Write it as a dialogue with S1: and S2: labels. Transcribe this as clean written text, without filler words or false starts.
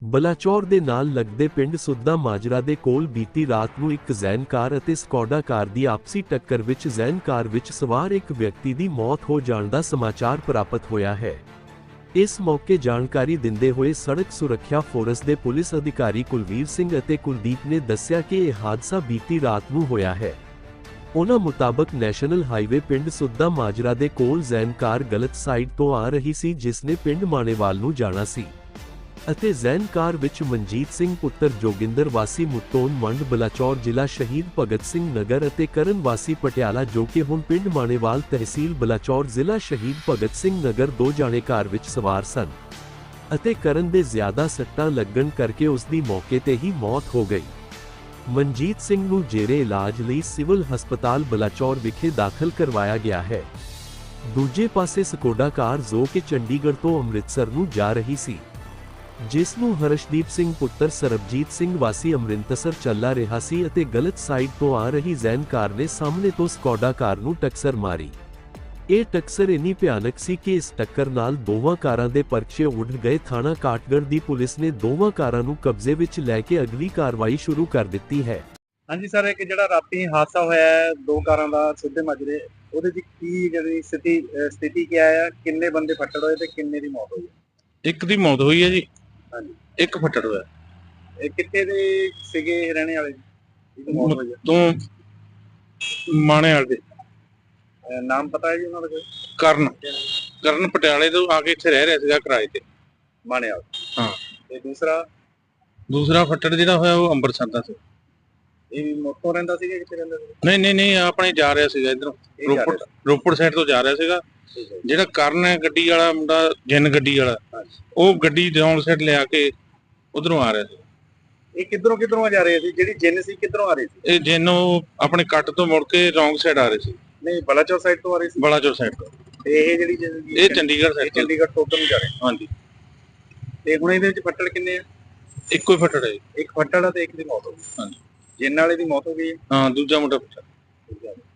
S1: ਬਲਾਚੌਰ ਦੇ ਨਾਲ ਲੱਗਦੇ ਪਿੰਡ ਸੁੱਦਾ ਮਾਜਰਾ ਦੇ ਕੋਲ ਬੀਤੀ ਰਾਤ ਨੂੰ ਇੱਕ ਜ਼ੈਨ ਕਾਰ ਅਤੇ ਸਕੌਡਾ ਕਾਰ ਦੀ ਆਪਸੀ ਟੱਕਰ ਵਿੱਚ ਜ਼ੈਨ ਕਾਰ ਵਿੱਚ ਸਵਾਰ ਇੱਕ ਵਿਅਕਤੀ ਦੀ ਮੌਤ ਹੋ ਜਾਣ ਦਾ ਸਮਾਚਾਰ ਪ੍ਰਾਪਤ ਹੋਇਆ ਹੈ। ਇਸ ਮੌਕੇ ਜਾਣਕਾਰੀ ਦਿੰਦੇ ਹੋਏ ਸੜਕ ਸੁਰੱਖਿਆ ਫੋਰਸ ਦੇ ਪੁਲਿਸ ਅਧਿਕਾਰੀ ਕੁਲਵੀਰ ਸਿੰਘ ਅਤੇ ਕੁਲਦੀਪ ਨੇ ਦੱਸਿਆ ਕਿ ਇਹ ਹਾਦਸਾ ਬੀਤੀ ਰਾਤ ਨੂੰ ਹੋਇਆ ਹੈ। ਉਨ੍ਹਾਂ ਮੁਤਾਬਕ ਨੈਸ਼ਨਲ ਹਾਈਵੇ ਪਿੰਡ ਸੁੱਦਾ ਮਾਜਰਾ ਦੇ ਕੋਲ ਜ਼ੈਨ ਕਾਰ ਗਲਤ ਸਾਈਡ ਤੋਂ ਆ ਰਹੀ ਸੀ ਜਿਸ ਨੇ ਪਿੰਡ ਮਾਣੇਵਾਲ ਨੂੰ ਜਾਣਾ ਸੀ ਅਤੇ ਜ਼ੈਨ ਕਾਰ ਵਿੱਚ ਮਨਜੀਤ ਸਿੰਘ ਪੁੱਤਰ ਜੋਗਿੰਦਰ ਵਾਸੀ ਮੁੱਤੋਨ ਮੰਡ ਬਲਾਚੌਰ ਜ਼ਿਲ੍ਹਾ ਸ਼ਹੀਦ ਭਗਤ ਸਿੰਘ ਨਗਰ ਅਤੇ ਕਰਨ ਵਾਸੀ ਪਟਿਆਲਾ ਜੋ ਕਿ ਹੁਣ ਪਿੰਡ ਮਾਣੇਵਾਲ ਤਹਿਸੀਲ ਬਲਾਚੌਰ ਜ਼ਿਲ੍ਹਾ ਸ਼ਹੀਦ ਭਗਤ ਸਿੰਘ ਨਗਰ ਦੋ ਜਾਣੇ ਕਾਰ ਵਿੱਚ ਸਵਾਰ ਸਨ ਅਤੇ ਕਰਨ ਦੇ ਜ਼ਿਆਦਾ ਸੱਟਾਂ ਲੱਗਣ ਕਰਕੇ ਉਸ ਦੀ ਮੌਕੇ ਤੇ ਹੀ ਮੌਤ ਹੋ ਗਈ। ਮਨਜੀਤ ਸਿੰਘ ਨੂੰ ਜੇਰੇ ਇਲਾਜ ਲਈ ਸਿਵਲ ਹਸਪਤਾਲ ਬਲਾਚੌਰ ਵਿਖੇ ਦਾਖਲ ਕਰਵਾਇਆ ਗਿਆ ਹੈ। ਦੂਜੇ ਪਾਸੇ ਸਕੋਡਾ ਕਾਰ ਜੋ ਕਿ ਚੰਡੀਗੜ੍ਹ ਤੋਂ ਅੰਮ੍ਰਿਤਸਰ ਨੂੰ ਜਾ ਰਹੀ ਸੀ ਜਿਸ ਨੂੰ ਹਰਸ਼ਦੀਪ ਸਿੰਘ ਪੁੱਤਰ ਸਰਬਜੀਤ ਸਿੰਘ ਵਾਸੀ ਅੰਮ੍ਰਿਤਸਰ ਚੱਲਾ ਰਿਹਾ ਸੀ ਅਤੇ ਗਲਤ ਸਾਈਡ ਤੋਂ ਆ ਰਹੀ ਜ਼ੈਨ ਕਾਰ ਨੇ ਸਾਹਮਣੇ ਤੋਂ ਸਕੌਡਾ ਕਾਰ ਨੂੰ ਟੱਕਰ ਮਾਰੀ। ਇਹ ਟੱਕਰ ਇੰਨੀ ਭਿਆਨਕ ਸੀ ਕਿ ਇਸ ਟੱਕਰ ਨਾਲ ਦੋਵਾਂ ਕਾਰਾਂ ਦੇ ਪਰਚੇ ਉੱਡ ਗਏ। ਥਾਣਾ ਕਾਟਗੜ੍ਹ ਦੀ ਪੁਲਿਸ ਨੇ ਦੋਵਾਂ ਕਾਰਾਂ ਨੂੰ ਕਬਜ਼ੇ ਵਿੱਚ ਲੈ ਕੇ ਅਗਲੀ ਕਾਰਵਾਈ ਸ਼ੁਰੂ ਕਰ ਦਿੱਤੀ ਹੈ।
S2: ਹਾਂਜੀ ਸਰ, ਇੱਕ ਜਿਹੜਾ ਰਾਤੀ ਹਾਦਸਾ ਹੋਇਆ ਹੈ ਦੋ ਕਾਰਾਂ ਦਾ ਸਿੱਧੇ ਮਾਜਰੇ, ਉਹਦੇ ਵਿੱਚ ਕੀ ਜਿਹੜੀ ਸਥਿਤੀ ਕੀ ਹੈ, ਕਿੰਨੇ ਬੰਦੇ ਫੱਟੜ ਹੋਏ ਤੇ ਕਿੰਨੇ ਦੀ ਮੌਤ ਹੋਈ?
S3: ਇੱਕ ਦੀ ਮੌਤ ਹੋਈ ਹੈ ਜੀ,
S2: ਹਾਂਜੀ,
S3: ਇੱਕ ਫੱਟੜ ਹੋਇਆ।
S2: ਇਹ ਕਿੱਥੇ ਦੇ ਸੀਗੇ ਰਹਿਣੇ ਵਾਲੇ ਜੀ? ਮੌਤ ਹੋਈ
S3: ਤੋਂ ਮਾਣੇ ਵਾਲੇ ਦੇ।
S2: ਨਾਮ ਪਤਾ ਹੈ ਜੀ ਉਹਨਾਂ ਦਾ? ਕੋਈ
S3: ਕਰਨ ਪਟਿਆਲੇ ਤੋਂ ਆ ਕੇ ਇੱਥੇ ਰਹਿ ਰਿਹਾ ਸੀਗਾ ਕਿਰਾਏ ਤੇ,
S2: ਮਾਣੇ ਵਾਲਾ।
S3: ਹਾਂ।
S2: ਤੇ
S3: ਦੂਸਰਾ ਫੱਟੜ ਜਿਹੜਾ ਹੋਇਆ ਉਹ ਅੰਮ੍ਰਿਤਸਰ ਦਾ ਸੀ।
S2: ਇਹ ਵੀ ਮੋਟੋ ਰਹਿੰਦਾ ਸੀਗਾ, ਕਿੱਥੇ ਰਹਿੰਦਾ ਸੀ?
S3: ਨਹੀਂ ਆਪਣੇ ਜਾ ਰਿਹਾ ਸੀਗਾ ਇਧਰੋਂ ਰੋਪੜ ਸਾਈਡ ਤੋਂ ਜਾ ਰਿਹਾ ਸੀਗਾ। ਜਿਹੜਾ ਕਰਨ ਹੈ ਗੱਡੀ ਵਾਲਾ ਮੁੰਡਾ, ਜਿੰਨ ਗੱਡੀ ਵਾਲਾ, ਉਹ ਗੱਡੀ ਰੌਂਗ ਸਾਈਡ ਲਿਆ ਕੇ ਉਧਰੋਂ ਆ ਰਿਹਾ ਸੀ।
S2: ਇਹ ਕਿੱਧਰੋਂ ਜਾ ਰਹੇ ਸੀ? ਜਿਹੜੀ ਜਿੰਨ ਸੀ ਕਿੱਧਰੋਂ ਆ ਰਹੀ ਸੀ?
S3: ਇਹ ਜਿੰਨ ਉਹ ਆਪਣੇ ਕੱਟ ਤੋਂ ਮੁੜ ਕੇ ਰੌਂਗ ਸਾਈਡ ਆ ਰਹੇ ਸੀ।
S2: ਨਹੀਂ, ਬਲਾਚੌਰ ਸਾਈਡ ਤੋਂ ਆ ਰਹੀ ਸੀ।
S3: ਬਲਾਚੌਰ ਸਾਈਡ ਤੋਂ।
S2: ਤੇ ਇਹ ਜਿਹੜੀ
S3: ਇਹ ਚੰਡੀਗੜ੍ਹ ਸਾਈਡ,
S2: ਚੰਡੀਗੜ੍ਹ ਤੋਂ ਨੂੰ ਜਾ ਰਹੇ।
S3: ਹਾਂਜੀ।
S2: ਤੇ ਹੁਣ ਇਹਦੇ ਵਿੱਚ ਫੱਟੜ ਕਿੰਨੇ ਆ?
S3: ਇੱਕੋ ਹੀ ਫੱਟੜ ਹੈ।
S2: ਇੱਕ ਫੱਟੜ ਆ ਤੇ ਇੱਕ ਦੀ ਮੌਤ ਹੋ ਗਈ।
S3: ਹਾਂਜੀ।
S2: ਜਿੰਨ ਵਾਲੇ ਦੀ ਮੌਤ ਹੋ ਗਈ।
S3: ਹਾਂ, ਦੂਜਾ ਮੁੰਡਾ ਫੱਟੜ।